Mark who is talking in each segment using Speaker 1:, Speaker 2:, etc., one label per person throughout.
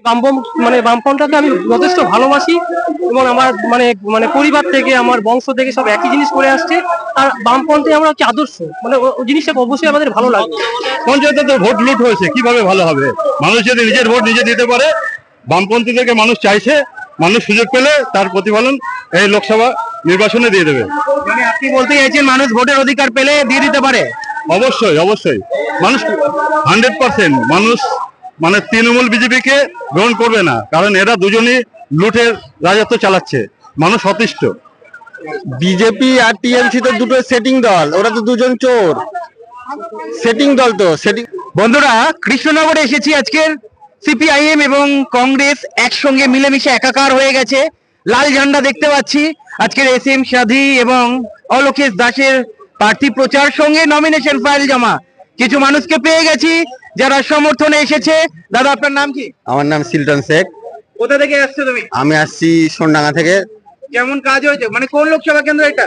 Speaker 1: বামপন্থাকে আমি যথেষ্ট ভালোবাসি এবং আমার পরিবার থেকে আমার বংশ থেকে সব একই জিনিস করে আসছে। আর বামপন্থী আমরা হচ্ছে আদর্শ, ওই জিনিসটা অবশ্যই আমাদের ভালো লাগে।
Speaker 2: পঞ্চায়েতে তো ভোট লুট হয়েছে, কিভাবে ভালো হবে? মানুষ যদি নিজের ভোট নিজে দিতে পারে, বামপন্থীদেরকে মানুষ চাইছে, মানুষ সুযোগ পেলে তার প্রতিফলন এই লোকসভা নির্বাচনে দিয়ে দেবে।
Speaker 1: আপনি বলতে চাইছেন মানুষ ভোটের অধিকার পেলে দিয়ে দিতে পারে?
Speaker 2: অবশ্যই অবশ্যই, মানুষ 100% মানুষ তৃণমূল বিজেপিকে গ্রহণ করবে না, কারণ এরা দুজনই লুটের রাজত্ব চালাচ্ছে। মানুষ অতিষ্ঠ।
Speaker 3: বিজেপি আর টিএমসি তো দুটো সেটিং দল, ওরা তো দুজন চোর। সেটিং দল তো সেটিং।
Speaker 1: বন্ধুরা, কৃষ্ণনগরে এসেছি। আজকের সিপিআইএম এবং কংগ্রেস একসঙ্গে মিলেমিশে একাকার হয়ে গেছে। লাল ঝান্ডা দেখতে পাচ্ছি। আজকের এসএম সাধী এবং অলোকেশ দাসের প্রার্থী প্রচার সঙ্গে নমিনেশন ফাইল জমা। কিছু মানুষকে পেয়ে গেছি যারা সমর্থনে এসেছে। দাদা, আপনার নাম কি?
Speaker 3: আমার নাম সিলটন শেখ।
Speaker 1: কোথা থেকে আসছো তুমি?
Speaker 3: আমি আসছি সোনডাঙ্গা থেকে।
Speaker 1: কেমন কাজ হয়েছে? কোন লোকসভা কেন্দ্র এটা?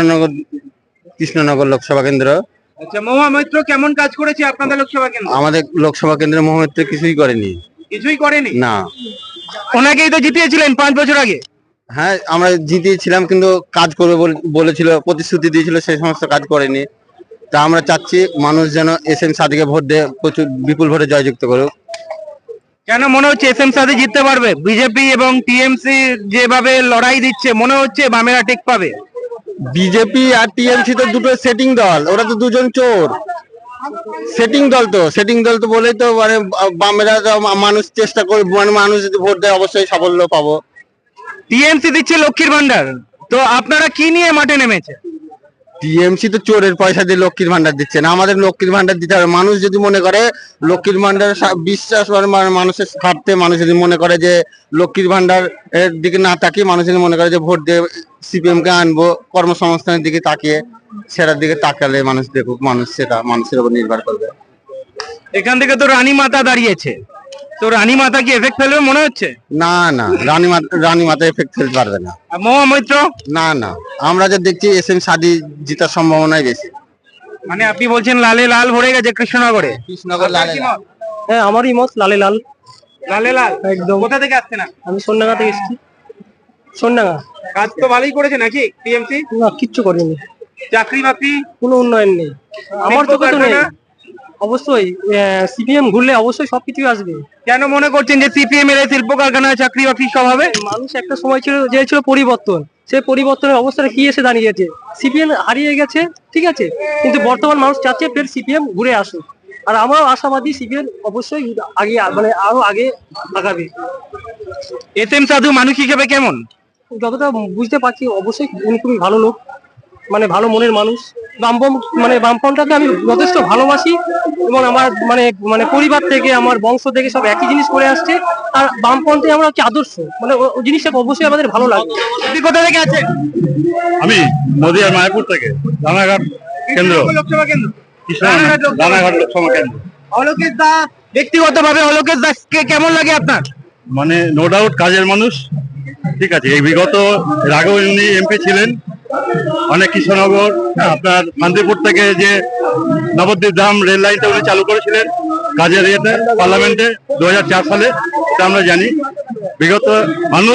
Speaker 3: কৃষ্ণনগর লোকসভা কেন্দ্র।
Speaker 1: আচ্ছা, মহুয়া মৈত্র কেমন কাজ করেছে আপনাদের লোকসভা কেন্দ্র?
Speaker 3: আমাদের লোকসভা কেন্দ্রে মহামিত্র কিছুই করেনি।
Speaker 1: কিছুই করেনি?
Speaker 3: না।
Speaker 1: ওনাকেই তো জিতিয়েছিলেন 5 বছর আগে।
Speaker 3: হ্যাঁ, আমরা জিতিয়েছিলাম, কিন্তু কাজ করবে বলেছিল, প্রতিশ্রুতি দিয়েছিল, সেই সমস্ত কাজ করেনি। তা আমরা চাচ্ছি মানুষ যেন এসএম সাদিকে ভোট দিয়ে প্রচুর বিপুল ভোটে জয়যুক্ত করুক।
Speaker 1: কেন মনে হচ্ছে এসএম সাদি জিততে পারবে? বিজেপি এবং টিএমসি যেভাবে লড়াই দিচ্ছে, মনে হচ্ছে বামেরা টেক পাবে।
Speaker 3: বিজেপি আর টিএমসি তো দুটো সেটিং দল, ওরা তো দুজন চোর। সেটিং দল তো বলেই তো বামেরা মানুষ চেষ্টা করে, মানুষ যদি ভোট দেয় অবশ্যই সাফল্য পাবো।
Speaker 1: টিএমসি দিচ্ছে লক্ষ্মীর ভান্ডার, তো আপনারা কি নিয়ে মাঠে নেমেছে?
Speaker 3: টিএমসি তো চোরের পয়সা দিয়ে লক্ষ্মীর ভান্ডার দিচ্ছে না, আমাদের লক্ষ্মীর ভান্ডার দিতে হবে। মানুষ যদি মনে করে লক্ষ্মীর ভান্ডার বিশ্বাস, মানুষের স্বার্থে মানুষ যদি মনে করে যে লক্ষ্মীর ভান্ডার এর দিকে না তাকিয়ে, মানুষ যদি মনে করে যে ভোট দিয়ে সিপিএম কে আনবো, কর্মসংস্থানের দিকে তাকিয়ে, সেটার দিকে তাকালে মানুষ দেখুক, মানুষ সেটা মানুষের উপর নির্ভর করবে।
Speaker 1: এখান থেকে তো রানী মাতা দাঁড়িয়েছে, তো রানী মাতা কি এফেক্ট ফেলবে মনে হচ্ছে?
Speaker 3: না না, রানী মাতা এফেক্ট ফেলতে পারবে না।
Speaker 1: মহুয়া মৈত্র?
Speaker 3: না না, আমরা যা দেখছি এসএম সাদি জেতার সম্ভাবনাই বেশি।
Speaker 1: আপনি বলছেন লালে লাল ভরে গেছে কৃষ্ণনগরে?
Speaker 3: কৃষ্ণনগর লালে লাল।
Speaker 1: হ্যাঁ, আমারই মত লালে লাল। লালে লাল
Speaker 3: একদম।
Speaker 1: কোথা থেকে আসছেন?
Speaker 3: আমি সোনডাঙ্গা থেকে এসেছি। সোনডাঙ্গা।
Speaker 1: কাজ তো ভালোই করেছে নাকি টিএমসি?
Speaker 3: না, কিচ্ছু করেনি।
Speaker 1: চাকরি বাকরি
Speaker 3: কোনো উন্নয়ন নেই আমার চোখে তো নেই। অবশ্যই সিপিএম ঘুরলে অবশ্যই সবকিছু আসবে।
Speaker 1: কেন মনে করছেন যে সিপিএম এর শিল্প কারখানায় চাকরি বাকরি সব হবে?
Speaker 3: মানুষ একটা সময় ছিল পরিবর্তন, সেই পরিবর্তনের অবস্থাটা কি এসে দাঁড়িয়েছে? সিপিএম হারিয়ে গেছে, ঠিক আছে, কিন্তু বর্তমান মানুষ চাচ্ছে ফের সিপিএম ঘুরে আসুক। আর আমরাও আশাবাদী সিপিএম অবশ্যই আগে আরো আগে আগাবে।
Speaker 1: এসএম সাধু মানুষ হিসেবে কেমন?
Speaker 3: যতটা বুঝতে পারছি অবশ্যই উনি খুবই ভালো লোক, ভালো মনের মানুষ। বামপন্থাকে আমি যথেষ্ট ভালোবাসি এবং আমার পরিবার থেকে আমার বংশ থেকে সব একই জিনিস করে আসছে। আর বামপন্থী আমরা হচ্ছে আদর্শ, ওই জিনিসটা অবশ্যই আমাদের ভালো লাগে।
Speaker 1: আপনি কোথা থেকে আছেন?
Speaker 2: আমি নদিয়ার মায়াপুর থেকে, রানাঘাট কেন্দ্র,
Speaker 1: লোকসভা কেন্দ্র।
Speaker 2: রানাঘাট লোকসভা কেন্দ্র।
Speaker 1: অলোকেশ দাস, ব্যক্তিগতভাবে অলোকেশ দাসকে কেমন লাগে আপনার?
Speaker 2: নো ডাউট কাজের মানুষ, ঠিক আছে। এই বিগত এর আগেও উনি এমপি ছিলেন। অনেক কৃষ্ণনগর আপনার শান্তিপুর থেকে যে নবদ্বীপ ধাম রেল লাইনটা উনি চালু করেছিলেন কাজের ইয়েতে, পার্লামেন্টে 2004 সালে, এটা আমরা জানি। বিগত মানুষ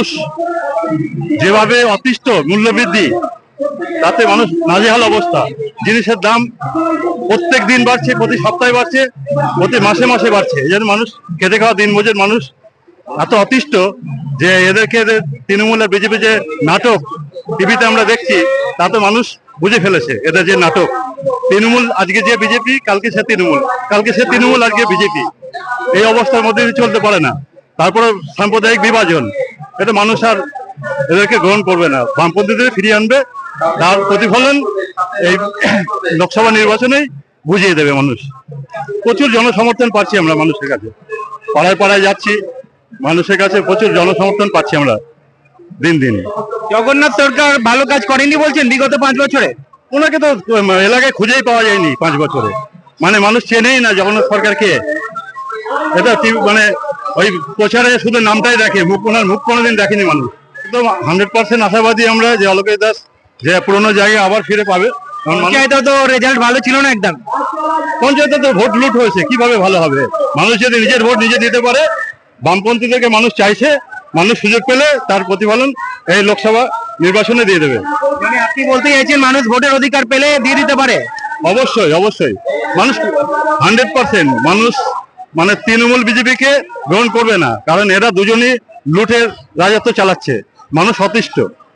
Speaker 2: যেভাবে অতিষ্ঠ মূল্যবৃদ্ধি, তাতে মানুষ নাজেহাল অবস্থা। জিনিসের দাম প্রত্যেক দিন বাড়ছে, প্রতি সপ্তাহে বাড়ছে, প্রতি মাসে মাসে বাড়ছে। এই জন্য মানুষ খেটে খাওয়া দিনমজুর মানুষ এত অতিষ্ঠ যে এদেরকে তৃণমূল আর বিজেপি যে নাটক টিভিতে আমরা দেখছি, তাতে মানুষ বুঝে ফেলেছে এদের যে নাটক। তৃণমূল আজকে যে বিজেপি, কালকে সে তৃণমূল, কালকে সে তৃণমূল, আজকে বিজেপি। এই অবস্থার মধ্যে চলতে পারে না। তারপরে সাম্প্রদায়িক বিভাজন, এটা মানুষ আর এদেরকে গ্রহণ করবে না। বামপন্থীদের ফিরিয়ে আনবে, তার প্রতিফলন এই লোকসভা নির্বাচনেই বুঝিয়ে দেবে মানুষ। প্রচুর জনসমর্থন পাচ্ছি আমরা মানুষের কাছে, পাড়ায় পাড়ায় যাচ্ছি, মানুষের কাছে প্রচুর জনসমর্থন পাচ্ছি আমরা দিন দিন।
Speaker 1: জগন্নাথ সরকার ভালো কাজ করেনি বলছেন বিগত 5 বছরে?
Speaker 2: ওনাকে তো এলাকায় খুঁজেই পাওয়া যায়নি 5 বছরে। মানুষ চেনেই না জগন্নাথ সরকার কে। এটা ওই প্রচারে শুধু নামটাই দেখে, ওনার মুখ কোনোদিন দেখেনি মানুষ। একদম 100% আশাবাদী আমরা যে অলোকেশ দাস যে পুরোনো জায়গায় আবার ফিরে পাবে।
Speaker 1: পঞ্চায়েতে তো রেজাল্ট ভালো ছিল না একদম।
Speaker 2: পঞ্চায়েতে তো ভোট লুট হয়েছে, কিভাবে ভালো হবে? মানুষ যদি নিজের ভোট নিজে দিতে পারে, বামপন্থীদেরকে মানুষ চাইছে, মানুষ সুযোগ পেলে তার প্রতিফলন এই লোকসভা নির্বাচনে দিয়ে দেবে।
Speaker 1: মানে আপনি বলতে চাইছেন মানুষ ভোটের অধিকার পেলে দিয়ে দিতে পারে?
Speaker 2: অবশ্যই অবশ্যই, মানুষ 100% মানুষ মানে তৃণমূল বিজেপিকে গ্রহণ করবে না, কারণ এরা দুজনই লুটের রাজত্ব চালাচ্ছে। মানুষ অতিষ্ঠ।